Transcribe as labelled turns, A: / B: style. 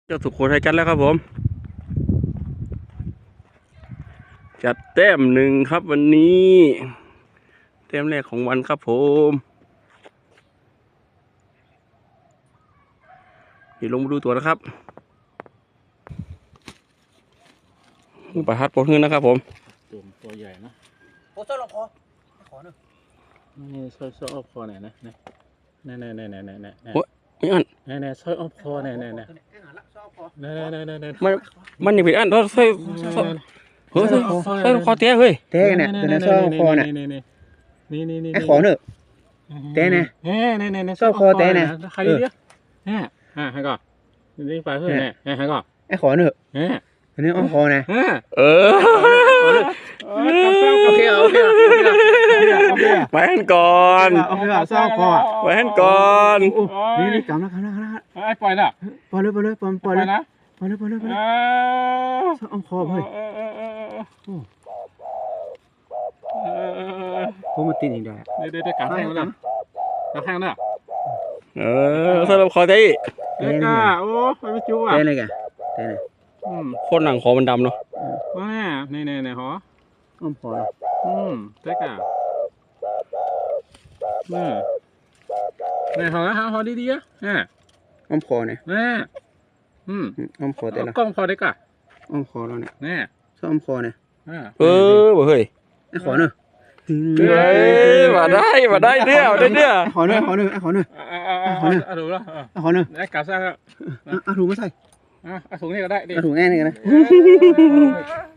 A: เจ้าสุโขทัยจัดแล้วครับผมจัดแต้มหนึ่งครับวันนี้แต้มแรกของวันครับผมเดี๋ยวลงมาดูตัวนะครับประทัดปลดเงินนะครับผม
B: ตัวใหญ่นะ
C: โอ้เจ้าลองคอขอหนึ่ง
B: นี่ช่วยอ้อมคอหน่อยนะนี่
A: โอ้ยไม่อัน
B: นี่ช่วยอ้อมคอนี่
C: นี่
A: มันยังผิดอันเราใส่เฮ้ยใส่คอเตี้ยเฮ้ย
C: เต้เนี่ยตัวนี้ชอบคอเนี่ยไอ้ขอเนอะเต้เนี่ยชอบคอเต้เนี่ย
B: ใครดีเนี่ยให้ก่อนนี่ไปเพื่อนเนี่ยให้ก่อน
C: ไอ้ขอเนอะตัวนี้อ้อมคอนะโอเค
A: ไปหันก่อน
C: ชอบคอ
A: ไปหันก่อน
C: นี่กำแล้ว
B: ปล่อยนะ
C: ปล่อยเลยชอบอ้อมคอเฮ้ยผมมาตีนอีกได้
B: เดี๋ยวกางแข้งแล้วกางแข้งน่ะ
A: สำหรับคอเต้
B: เด็กอ่ะโอ้ไม่จู้อ่ะ
C: เต้เลยแกเต้เลย
A: คนหนังคอมันดำเนาะ
B: ว้านี่หรอ
C: อ้อมคอ
B: เด็กอ่ะนี่หอดีๆอ่ะ
C: อ้อมคอเนี่ยอ้อมคอเต้ละ
B: กล้องคอเด็กอ่ะ
C: อ้อมคอเราเนี่ย
B: นี่
C: ชอบอ้อมคอเนี่ย
A: บ่เฮ้ย
C: ไอ้ขอเนอะ
A: มาได้เนี่ย
C: ขอเนอะ
B: ถูกแล้ว
C: ขอเนอะ
B: ไอ้กาซ่า
C: ถูกไม่ใส่
B: ถุงนี่ก็ได้ดิ
C: ถุงแง่นี่กันนะ